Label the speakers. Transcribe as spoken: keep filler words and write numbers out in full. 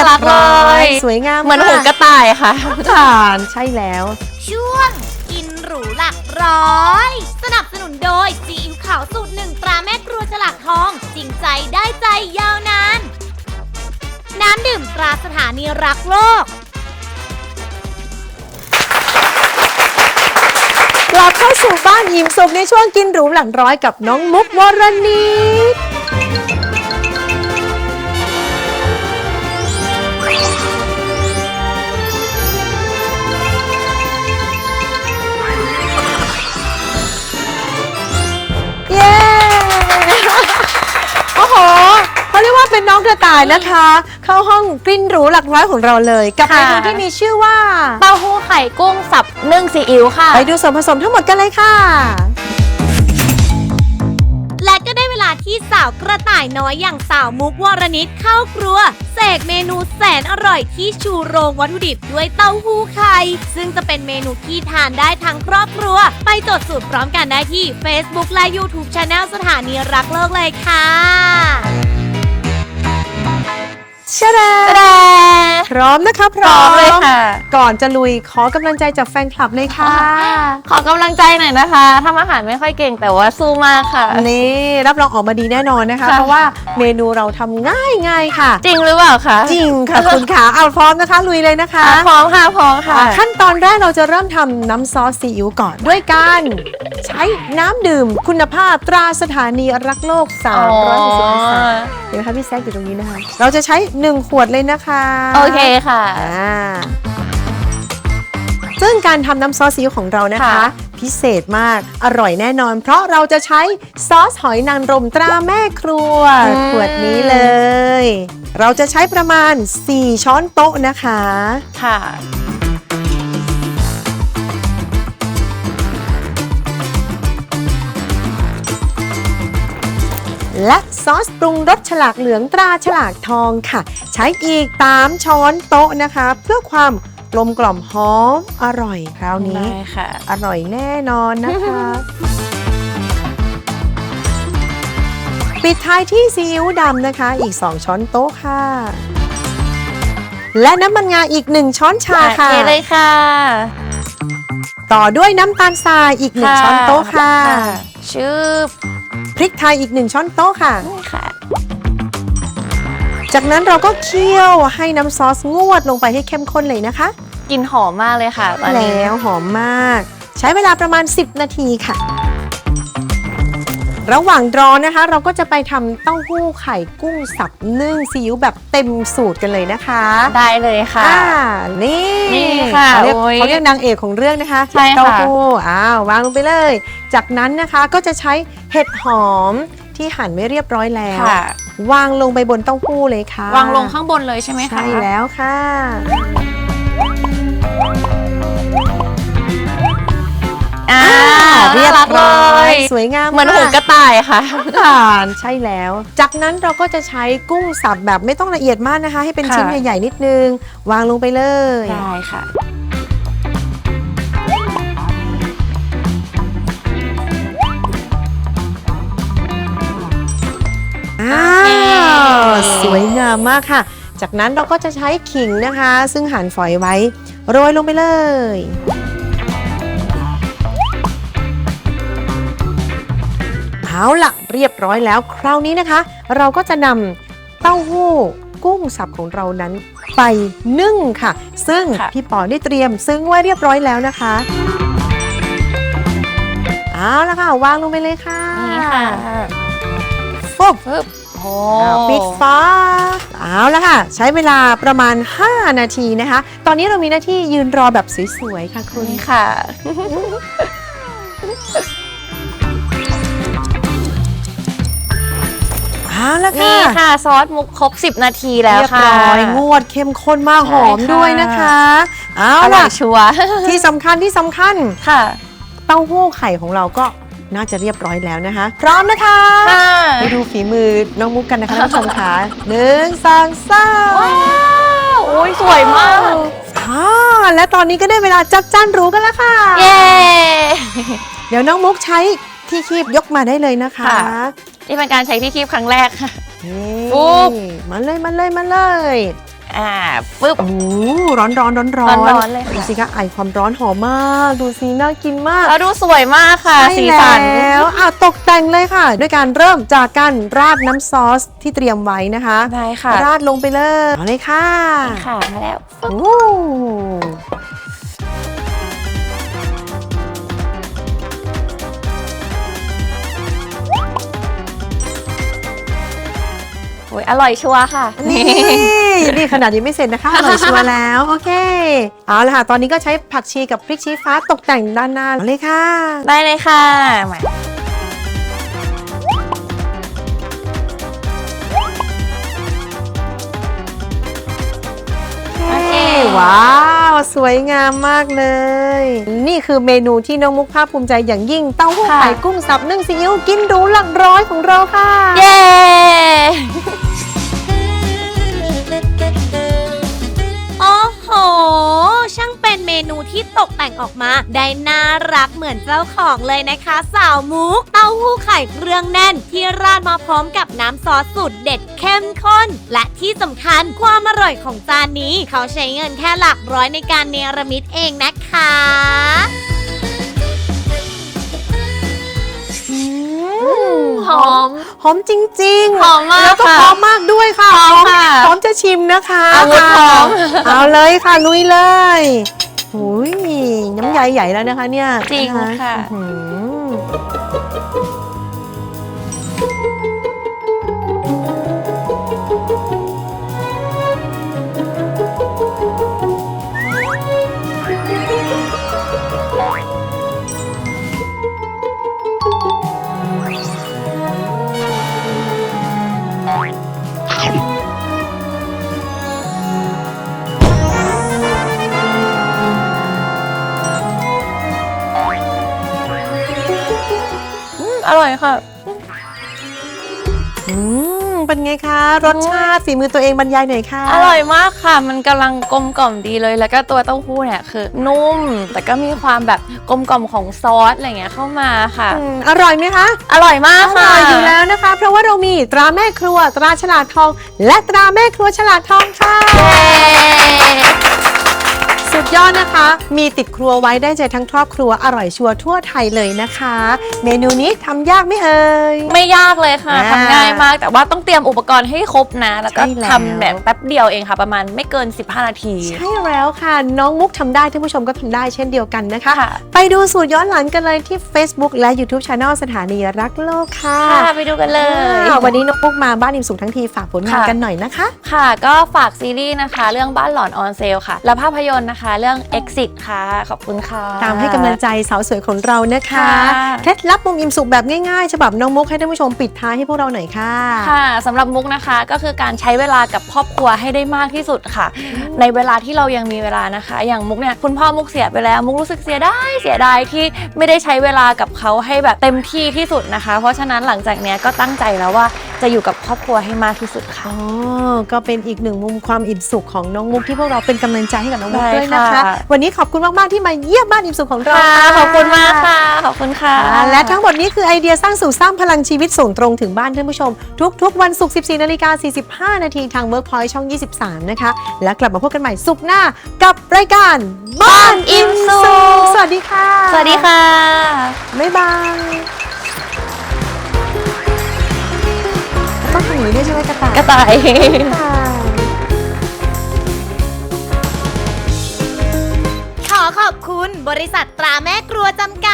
Speaker 1: รักเลย
Speaker 2: สวยงาม
Speaker 1: เหมือนหูกระต่ายค่ะ
Speaker 2: ทานใช่แล้ว
Speaker 3: ช่วงกินหรูหลักร้อย สนับสนุนโดยซีอิ๊วขาวสูตรหนึ่งตราแม่ครัวฉลากทองจริงใจได้ใจยาวนานน้ำดื่มตราสถานีรักโลก
Speaker 2: กลับเข้าสู่บ้านอิ่มสุขในช่วงกินหรูหลังร้อยกับน้องมุกวรณิตเย้ โอ้โหเขาเรียกว่าเป็นน้องกระต่ายนะคะ เข้าห้องกินหรูหลักร้อยของเราเลยกับเมนูที่มีชื่อว่า
Speaker 1: เต้าหู้ไข่กุ้งสับนึ่งซีอิ๊วค่ะ
Speaker 2: ไปดูส่วนผสมทั้งหมดกันเลยค่ะ
Speaker 3: และก็ได้เวลาที่สาวกระต่ายน้อยอย่างสาวมุกวรณิตเข้าครัวเสกเมนูแสนอร่อยที่ชูโรงวัตถุดิบด้วยเต้าหู้ไข่ซึ่งจะเป็นเมนูที่ทานได้ทั้งครอบครัวไปจดสูตรพร้อมกันได้ที่ Facebook และ YouTube Channel สถานีรักโลกเลยค่ะ
Speaker 2: ชะแดพร้อมนะคะพร้อม
Speaker 1: เลยค่ะ
Speaker 2: ก่อนจะลุยขอกำลังใจจากแฟนคลับเลยค่ะ
Speaker 1: ขอกำลังใจหน่อยนะคะทำอาหารไม่ค่อยเก่งแต่ว่าสู้มากค่ะ
Speaker 2: นี่รับรองออกมาดีแน่นอนนะคะเพราะว่าเมนูเราทำง่ายง่ายค่ะ
Speaker 1: จริงหรือเปล่าคะ
Speaker 2: จริงค่ะคุณขาเอาพร้อมนะคะลุยเลยนะคะ
Speaker 1: พร้อมค่ะพร้อมค่ะ
Speaker 2: ขั้นตอนแรกเราจะเริ่มทำน้ำซอสซีอิ๊วก่อนด้วยการใช้น้ำดื่มคุณภาพตราสถานีรักโลกสามร้อยหกสิบองศาเดี๋ยวนะคะพี่แซคอยู่ตรงนี้นะคะเราจะใช้หนึ่งขวดเลยนะคะ
Speaker 1: โอเคค่ะ
Speaker 2: ซึ่งการทำน้ำซอสซีอิ๊วของเรานะคะพิเศษมากอร่อยแน่นอนเพราะเราจะใช้ซอสหอยนางรมตราแม่ครัวขวดนี้เลยเราจะใช้ประมาณสี่ช้อนโต๊ะนะคะ
Speaker 1: ค่ะ
Speaker 2: และซอสปรุงรสฉลากเหลืองตราฉลากทองค่ะใช้อีกสามช้อนโต๊ะนะคะเพื่อความกลมกล่อมหอมอร่อยคราวนี้อร่อยแน่นอนนะคะปิดท้ายที่ซีอิ๊วดำนะคะอีกสองช้อนโต๊ะค่ะและน้ำมันงาอีกหนึ่งช้อนชาค่ะ
Speaker 1: เลยค่ะ
Speaker 2: ต่อด้วยน้ำตาลทรายอีกหนึ่งช้อนโต๊ะค่ะ
Speaker 1: ชื่อ
Speaker 2: พริกไทยอีกหนึ่งช้อนโต๊ะค่ะ
Speaker 1: ค่ะ
Speaker 2: จากนั้นเราก็เคี่ยวให้น้ำซอสงวดลงไปให้เข้มข้นเลยนะคะ
Speaker 1: กลิ่นหอมมากเลยค่ะตอนนี้
Speaker 2: แล้วหอมมากใช้เวลาประมาณสิบนาทีค่ะระหว่างรอนะคะเราก็จะไปทำเต้าหู้ไข่กุ้งสับนึ่งซีอิ๊วแบบเต็มสูตรกันเลยนะคะ
Speaker 1: ได้เลยค่ะ
Speaker 2: นี่
Speaker 1: นี่ค่ะ
Speaker 2: เขาเรียกเขาเรียกนางเอกของเรื่องนะคะ
Speaker 1: ใช่ค่ะ
Speaker 2: เต้าหู้อ้าววางลงไปเลยจากนั้นนะคะก็จะใช้เห็ดหอมที่หั่นไม่เรียบร้อยแล้ววางลงไปบนเต้าหู้เลยค่ะ
Speaker 1: วางลงข้างบนเลยใช่ไหมคะ
Speaker 2: ใช่แล้วค่ะ
Speaker 1: อ่า
Speaker 2: เรียบร้อยสวยงาม
Speaker 1: เหมือนหูกระต่ายค่ะ
Speaker 2: ทานใช่แล้วจากนั้นเราก็จะใช้กุ้งสับแบบไม่ต้องละเอียดมากนะคะให้เป็นชิ้นใหญ่ๆนิดนึงวางลงไปเลย
Speaker 1: ได้ค่ะ
Speaker 2: อ้าวสวยงามมากค่ะจากนั้นเราก็จะใช้ขิงนะคะซึ่งหั่นฝอยไว้โรยลงไปเลยเอาล่ะเรียบร้อยแล้วคราวนี้นะคะเราก็จะนำเต้าหู้กุ้งสับของเรานั้นไปนึ่งค่ะซึ่งพี่ปอได้เตรียมซึ่งไว้เรียบร้อยแล้วนะคะเอาละค่ะวางลงไปเลยค่ะ
Speaker 1: นี่ค่ะ
Speaker 2: ฟุบปิดฟ้าเอาละค่ะใช้เวลาประมาณห้านาทีนะคะตอนนี้เรามีหน้าที่ยืนรอแบบสวยๆค่ะคุณ
Speaker 1: ค่ะ
Speaker 2: เอาละค่ะ
Speaker 1: นี่ค่ะซอสมุกครบสิบนาทีแล้วค่ะ
Speaker 2: เรียบร้อยงวดเข้มข้นมากหอมด้วยนะคะเอาล่ะ
Speaker 1: ชัวร์
Speaker 2: ที่สำคัญที่สำคัญ
Speaker 1: ค่ะ
Speaker 2: เต้าหู้ไข่ของเราก็น่าจะเรียบร้อยแล้วนะคะพร้อมนะคะไปดูฝีมือน้องมุกกันนะคะท่านผู้ชมค่ะหนึ่งสองสาม
Speaker 1: ว้าวโอ้ยสวยมาก
Speaker 2: อ่าและตอนนี้ก็ได้เวลาจัดจานหรูกันแล้วค่ะ
Speaker 1: เย้
Speaker 2: เดี๋ยวน้องมุกใช้ที่คีบยกมาได้เลยนะคะ
Speaker 1: นี่เป็นการใช้ที่คีบครั้งแรกค่ะ
Speaker 2: ปุ๊บมาเลยมาเลยมาเลย
Speaker 1: อ่าปึ๊บ
Speaker 2: โอ้ร้อนร้อนร้อนร้อน
Speaker 1: ร้อนๆเลยค่ะ
Speaker 2: ดูสิคะไอความร้อนหอมมาก ดูสิน่ากินมาก
Speaker 1: แล้วดูสวยมากค่ะ
Speaker 2: ใช่
Speaker 1: สีสัน
Speaker 2: แล้วอ่ะตกแต่งเลยค่ะ ด้วยการเริ่มจากการราดน้ำซอสที่เตรียมไว้นะคะ
Speaker 1: ได้ค่ะ
Speaker 2: ราดลงไปเลยเอาเลยค่ะ
Speaker 1: ค่ะมาแล้วปึ๊บ
Speaker 2: โอ้
Speaker 1: โอ้ยอร่อยชัวร์ค่ะ
Speaker 2: นี่นี่ขนาดยังไม่เสร็จนะคะอร่อยชัวร์แล้วโอเคเอาละค่ะตอนนี้ก็ใช้ผักชีกับพริกชี้ฟ้าตกแต่งด้านหน้าเอาเลยค่ะ
Speaker 1: ได้เลยค่ะมา โอเค
Speaker 2: ว้าวสวยงามมากเลย นี่คือเมนูที่น้องมุกภาคภูมิใจอย่างยิ่งเต้าหู้ไข่กุ้งสับนึ่งซีอิ๊วกินหรูหลักร้อยของเราค่ะ
Speaker 1: เย้
Speaker 3: โอ้โห ช่างเป็นเมนูที่ตกแต่งออกมาได้น่ารักเหมือนเจ้าของเลยนะคะสาวมุก เต้าหู้ไข่เครื่องแน่นที่ราดมาพร้อมกับน้ำซอสสูตรเด็ดเข้มข้น และที่สำคัญความอร่อยของจานนี้ เขาใช้เงินแค่หลักร้อยในการเนรมิตเองนะคะ
Speaker 1: หอม
Speaker 2: หอมจริงๆ
Speaker 1: หอมมาก
Speaker 2: แล้วก็
Speaker 1: ค่ะ
Speaker 2: พร้อมมากด้วยค่ะ
Speaker 1: พร้อมค่ะ
Speaker 2: พร้อมจะชิมนะคะ
Speaker 1: อาวุธพร้อม
Speaker 2: เอาเลยค่ะลุยเลยหุยน้ำใยใหญ่แล้วนะคะเนี่ย
Speaker 1: จริงค่ะ
Speaker 2: อื้อหือ
Speaker 1: อืมอร่อยค่ะ
Speaker 2: อืมเป็นไงคะ รสชาติฝีมือตัวเองบรรยายหน่อยค่ะ
Speaker 1: อร่อยมากค่ะ มันกำลังกลมกล่อมดีเลย แล้วก็ตัวเต้าหู้เนี่ยคือนุ่ม แต่ก็มีความแบบกลมกล่อมของซอสอะไรเงี้ยเข้ามาค่ะ
Speaker 2: อืมอร่อยไหมคะ
Speaker 1: อร่อยมาก
Speaker 2: อ
Speaker 1: ค่ะ
Speaker 2: ร่อยอยู่แล้วนะคะ เพราะว่าเรามีตราแม่ครัว ตราฉลาดทอง และตราแม่ครัวฉลาดทองค่ะ
Speaker 1: เย้
Speaker 2: สุดยอดนะคะ มีติดครัวไว้ได้ใจทั้งครอบครัวอร่อยชัวร์ทั่วไทยเลยนะคะ เมนูนี้ทำยากไหม่เอ่ย
Speaker 1: ไม่ยากเลยค่ะ
Speaker 2: อ่า
Speaker 1: ทำง่ายมาก แต่ว่าต้องเตรียมอุปกรณ์ให้ครบนะ แล้วก็
Speaker 2: ใช่แล้ว
Speaker 1: ทำแบบแป๊บเดียวเองค่ะ ประมาณไม่เกิน สิบห้า นาที
Speaker 2: ใช่แล้วค่ะ น้องมุกทำได้ท่านผู้ชมก็ทำได้เช่นเดียวกันนะคะ
Speaker 1: ค่ะ
Speaker 2: ไปดูสูตรย้อนหลังกันเลยที่ Facebook และ YouTube Channel สถานีรักโลกค่ะ
Speaker 1: ค่ะไปดูกันเลย
Speaker 2: อ่าวันนี้น้องมุกมาบ้านอิ่มสุขทั้งทีฝากผลงาน
Speaker 1: ค่ะ
Speaker 2: กันหน่อยนะคะ
Speaker 1: ค่ะก็ฝากซีรีส์นะคะ เรื่องบ้านหลอนออนเซลค่ะ และภาพยนตร์นะคะ เรื่อง Exit ค่ะ ขอบคุณค่ะ
Speaker 2: ตามให้กำลังใจสาวสวยของเรานะคะ
Speaker 1: ค่ะ
Speaker 2: เคล็ดลับมุมอิ่มสุขแบบง่ายๆฉบับน้องมุกให้ท่านผู้ชมปิดท้ายให้พวกเราหน่อยค่ะ
Speaker 1: ค่ะสำหรับมุกนะคะก็คือการใช้เวลากับครอบครัวให้ได้มากที่สุดค่ะ ในเวลาที่เรายังมีเวลานะคะ อย่างมุกเนี่ยคุณพ่อมุกเสียไปแล้วมุกรู้สึกเสียดายเสียดายที่ไม่ได้ใช้เวลากับเขาให้แบบเต็มที่ที่สุดนะคะ เพราะฉะนั้นหลังจากเนี้ยก็ตั้งใจแล้วว่าจะอยู่กับครอบครัวให้มากที่สุดค่ะ
Speaker 2: อ๋อ ก็เป็นอีกหนึ่งมุมความอิ่มสุขของน้องมุกที่พวกเราเป็นกำลังใจให้กับน้องมุก
Speaker 1: ได้
Speaker 2: ด้วยนะคะ
Speaker 1: ค่ะ
Speaker 2: วันนี้ขอบคุณมากๆที่มาเยี่ยมบ้านอิ่มสุขของเรา
Speaker 1: ค่ะขอบคุณมากค่ะขอบคุณค่ะ
Speaker 2: อ่าและทั้งหมดนี้คือไอเดียสร้างสู่สร้างพลังชีวิตส่งตรงถึงบ้านท่านผู้ชม ทุกๆวันศุกร์ สิบสี่นาฬิกาสี่สิบห้า นาทีทาง Workpoint ช่อง ยี่สิบสาม นะคะ และกลับมาพบกันใหม่ศุกร์หน้ากับรายการบ้านอิ่มสุขสวัสดีค่ะ
Speaker 1: สวัสดีค่ะ
Speaker 2: บ๊ายบายต้องทำอย่างนี้ด้วยใช่ไหมกระต่าย
Speaker 1: กระต่าย
Speaker 2: ค่ะ
Speaker 3: ขอขอบคุณบริษัทตราแม่ครัวจำกัด